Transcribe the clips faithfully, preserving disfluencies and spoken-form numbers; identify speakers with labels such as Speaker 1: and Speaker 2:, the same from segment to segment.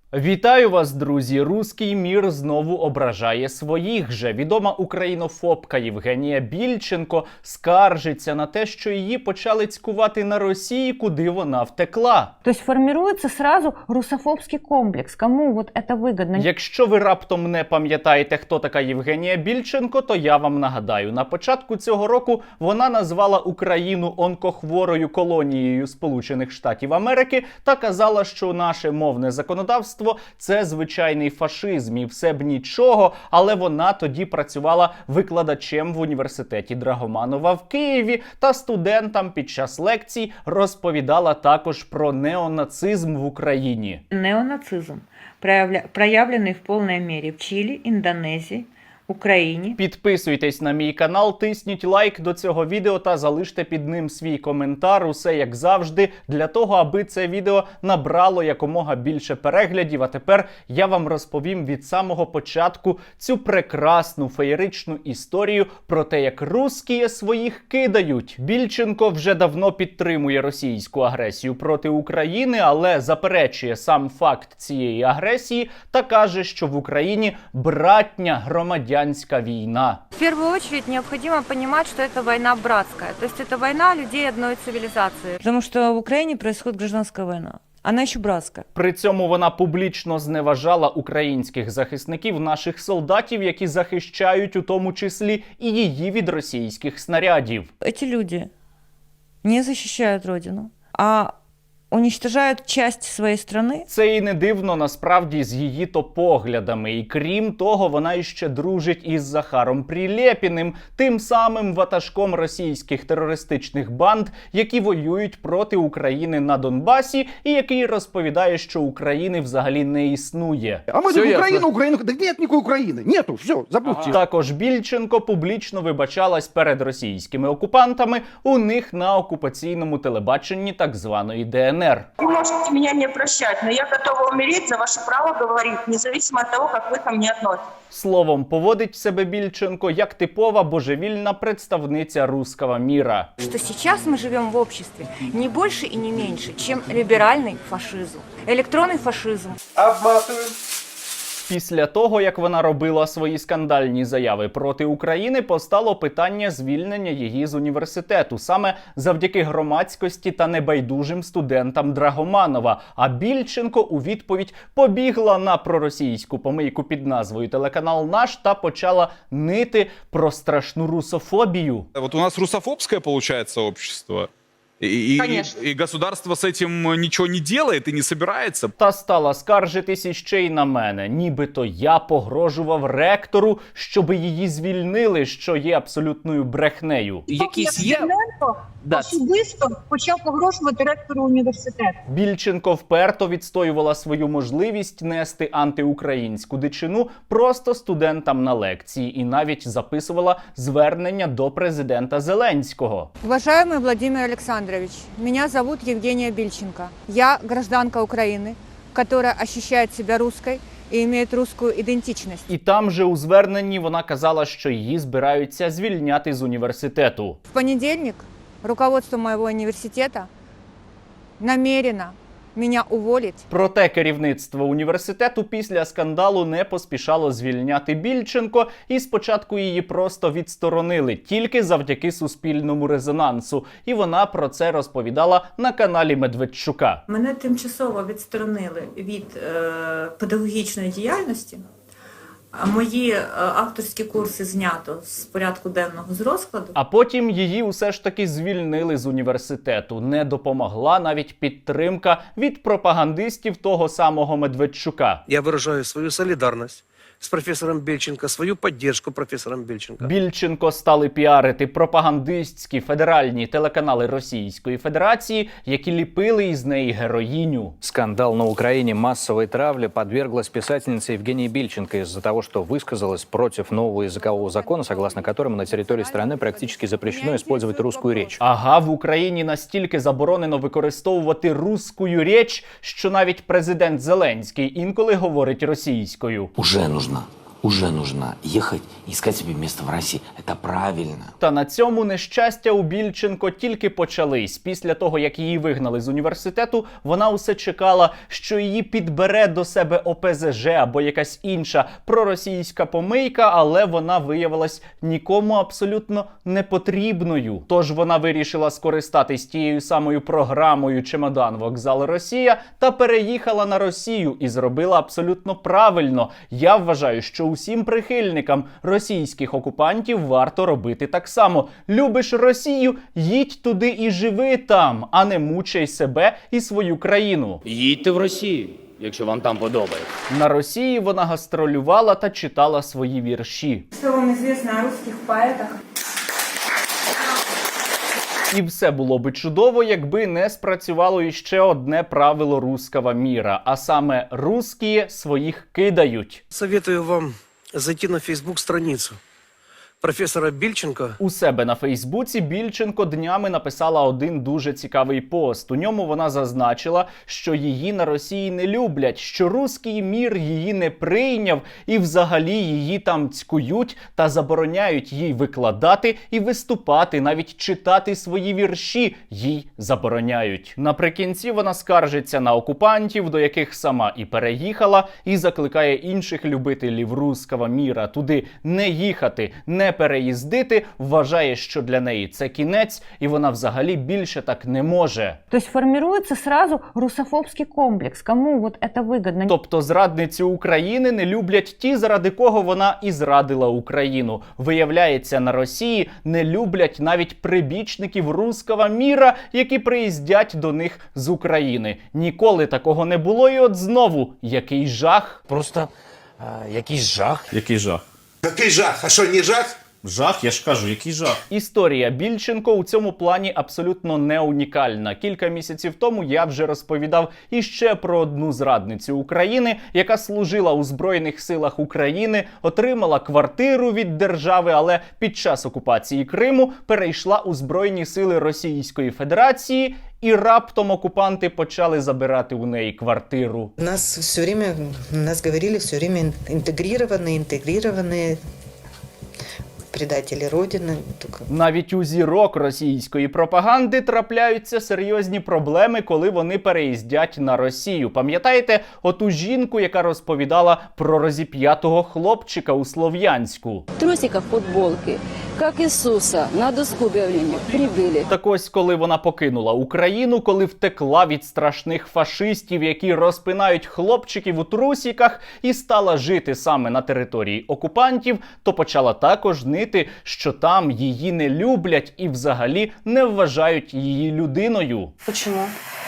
Speaker 1: Вітаю вас, друзі! Руський мір знову ображає своїх же. Відома українофобка Євгенія Більченко скаржиться на те, що її почали цькувати на Росії, куди вона втекла.
Speaker 2: Тобто формується сразу русофобський комплекс. Кому вот це вигідно?
Speaker 1: Якщо ви раптом не пам'ятаєте, хто така Євгенія Більченко, то я вам нагадаю. На початку цього року вона назвала Україну онкохворою колонією Сполучених Штатів Америки та казала, що наше мовне законодавство це звичайний фашизм і все б нічого, але вона тоді працювала викладачем в університеті Драгоманова в Києві та студентам під час лекцій розповідала також про неонацизм в Україні.
Speaker 2: Неонацизм, проявлений в повній мірі в Чилі, Індонезії, Україні.
Speaker 1: Підписуйтесь на мій канал, тисніть лайк до цього відео та залиште під ним свій коментар. Усе як завжди, для того, аби це відео набрало якомога більше переглядів. А тепер я вам розповім від самого початку цю прекрасну феєричну історію про те, як русські своїх кидають. Більченко вже давно підтримує російську агресію проти України, але заперечує сам факт цієї агресії та каже, що в Україні братня громадянська війна.
Speaker 3: В первую очередь необходимо понимать, что это война братская. То есть это война людей одной цивилизации.
Speaker 2: Потому что в Украине происходит гражданская война. Она еще братская.
Speaker 1: При цьому вона публічно зневажала українських захисників, наших солдатів, які захищають у тому числі і її від російських снарядів.
Speaker 2: Эти люди не защищают родину, а уничтожають часть своєї країни.
Speaker 1: Це і не дивно, насправді, з її то поглядами. І крім того, вона іще дружить із Захаром Прилєпіним, тим самим ватажком російських терористичних банд, які воюють проти України на Донбасі, і який розповідає, що України взагалі не існує.
Speaker 4: А ми тут Україну, Україну, так нет ніякої України, нету, все, забудьте.
Speaker 1: Ага. Також Більченко публічно вибачалась перед російськими окупантами у них на окупаційному телебаченні так званої Де Ен Ер.
Speaker 5: Вы можете меня не прощать, но я готова умереть за ваше право говорить, независимо от того, как вы ко мне относитесь.
Speaker 1: Словом, поводить себе Більченко як типова божевільна представниця русского міра.
Speaker 3: Что сейчас мы живем в обществе не больше и не меньше, чем либеральный фашизм, электронный фашизм.
Speaker 4: Обматываем.
Speaker 1: Після того, як вона робила свої скандальні заяви проти України, постало питання звільнення її з університету, саме завдяки громадськості та небайдужим студентам Драгоманова. А Більченко у відповідь побігла на проросійську помийку під назвою «Телеканал Наш» та почала нити про страшну русофобію.
Speaker 6: Вот у нас русофобское получается общество. И, и, и государство с этим ничего не делает и не собирается.
Speaker 1: Та стала скаржитись іще й на мене. Нібито я погрожував ректору, щоби її звільнили, що є абсолютною брехнею.
Speaker 7: Якісь є... Да.
Speaker 5: Особисто почав погрожувати ректору університету.
Speaker 1: Більченко вперто відстоювала свою можливість нести антиукраїнську дичину просто студентам на лекції і навіть записувала звернення до президента Зеленського.
Speaker 3: Уважаемый Владимир Александрович, меня зовут Евгения Бильченко. Я гражданка Украины, которая ощущает себя русской і має русскую ідентичність.
Speaker 1: І там же у зверненні вона казала, що її збираються звільняти з університету.
Speaker 3: В понедельник руководство моего университета намерено меня уволить.
Speaker 1: Проте керівництво університету після скандалу не поспішало звільняти Більченко, і спочатку її просто відсторонили, тільки завдяки суспільному резонансу. І вона про це розповідала на каналі Медведчука.
Speaker 8: Мене тимчасово відсторонили від е, педагогічної діяльності. Мої е, авторські курси знято з порядку денного з розкладу.
Speaker 1: А потім її усе ж таки звільнили з університету. Не допомогла навіть підтримка від пропагандистів того самого Медведчука.
Speaker 9: Я выражаю свою солидарность с профессором Бельченко, свою поддержку профессором Бельченко.
Speaker 1: Більченко стали піарити пропагандистські федеральні телеканали Російської Федерації, які ліпили із неї героїню.
Speaker 10: Скандал на Украине массовой травли подверглась писательница Евгения Бильченко из-за того, что высказалась против нового языкового закона, согласно которому на территории страны практически запрещено использовать русскую речь.
Speaker 1: Ага, в Україні настільки заборонено використовувати русскую річ, що навіть президент Зеленський інколи говорить російською.
Speaker 11: Уже нужно уже нужно ехать и искать себе место в России. Это правильно.
Speaker 1: Та на цьому нещастя у Більченко тільки почались. Після того, як її вигнали з університету, вона усе чекала, що її підбере до себе О Пе Зе Же або якась інша проросійська помийка, але вона виявилась нікому абсолютно не потрібною. Тож вона вирішила скористатись тією самою програмою «Чемодан. Вокзал. Росія» та переїхала на Росію і зробила абсолютно правильно. Я вважаю, що усім прихильникам російських окупантів варто робити так само. Любиш Росію – їдь туди і живи там, а не мучай себе і свою країну.
Speaker 7: Їдьте в Росію, якщо вам там подобається.
Speaker 1: На Росії вона гастролювала та читала свої вірші.
Speaker 8: Що вам відомо о русських поетах?
Speaker 1: І все було би чудово, якби не спрацювало іще одне правило русского міра, а саме русські своїх кидають.
Speaker 9: Советую вам зайти на фейсбук-страницу профессора Більченка.
Speaker 1: У себе на Фейсбуці Більченко днями написала один дуже цікавий пост. У ньому вона зазначила, що її на Росії не люблять, що руський мір її не прийняв і взагалі її там цькують та забороняють їй викладати і виступати, навіть читати свої вірші їй забороняють. Наприкінці вона скаржиться на окупантів, до яких сама і переїхала, і закликає інших любителів руського міра туди не їхати, не переїздити, вважає, що для неї це кінець, і вона взагалі більше так не може.
Speaker 2: То есть формируется сразу русофобский комплекс. Кому вот это выгодно?
Speaker 1: Тобто зрадницю України не люблять ті, заради кого вона і зрадила Україну. Виявляється, на Росії не люблять навіть прибічників руського міра, які приїздять до них з України. Ніколи такого не було, і от знову, який жах.
Speaker 11: Просто е, якийсь жах.
Speaker 12: Який жах?
Speaker 4: Який жах? А що, не жах?
Speaker 12: Жах, я ж кажу, який жах.
Speaker 1: Історія Більченко у цьому плані абсолютно не унікальна. Кілька місяців тому я вже розповідав іще про одну зрадницю України, яка служила у Збройних силах України, отримала квартиру від держави, але під час окупації Криму перейшла у Збройні сили Російської Федерації, і раптом окупанти почали забирати у неї квартиру.
Speaker 13: Нас все время, нас говорили все время интегрированные, интегрированные предатели Родины.
Speaker 1: Навіть у зірок російської пропаганди трапляються серйозні проблеми, коли вони переїздять на Росію. Пам'ятаєте оту жінку, яка розповідала про розіп'ятого хлопчика у Слов'янську?
Speaker 14: Трусика, футболки, як Ісуса, на доску об'явлення прибили.
Speaker 1: Так ось, коли вона покинула Україну, коли втекла від страшних фашистів, які розпинають хлопчиків у трусіках, і стала жити саме на території окупантів, то почала також нити, що там її не люблять і взагалі не вважають її людиною.
Speaker 14: Чому?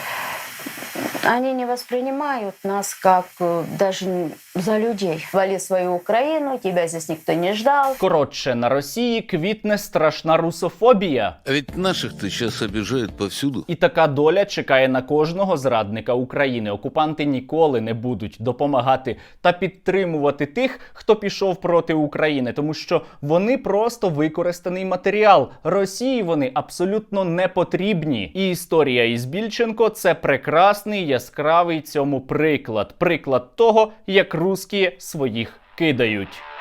Speaker 14: Они не воспринимают нас как э, даже за людей. Вали свою Украину, тебя здесь никто не ждал.
Speaker 1: Коротше, на Росії квітне страшна русофобія.
Speaker 15: А ведь наших-то сейчас обижают повсюду.
Speaker 1: І така доля чекає на кожного зрадника України. Окупанти ніколи не будуть допомагати та підтримувати тих, хто пішов проти України, тому що вони просто використаний матеріал. Росії вони абсолютно не потрібні. І історія із Більченко – це прекрасний, яскравий цьому приклад. Приклад того, як русські своїх кидають.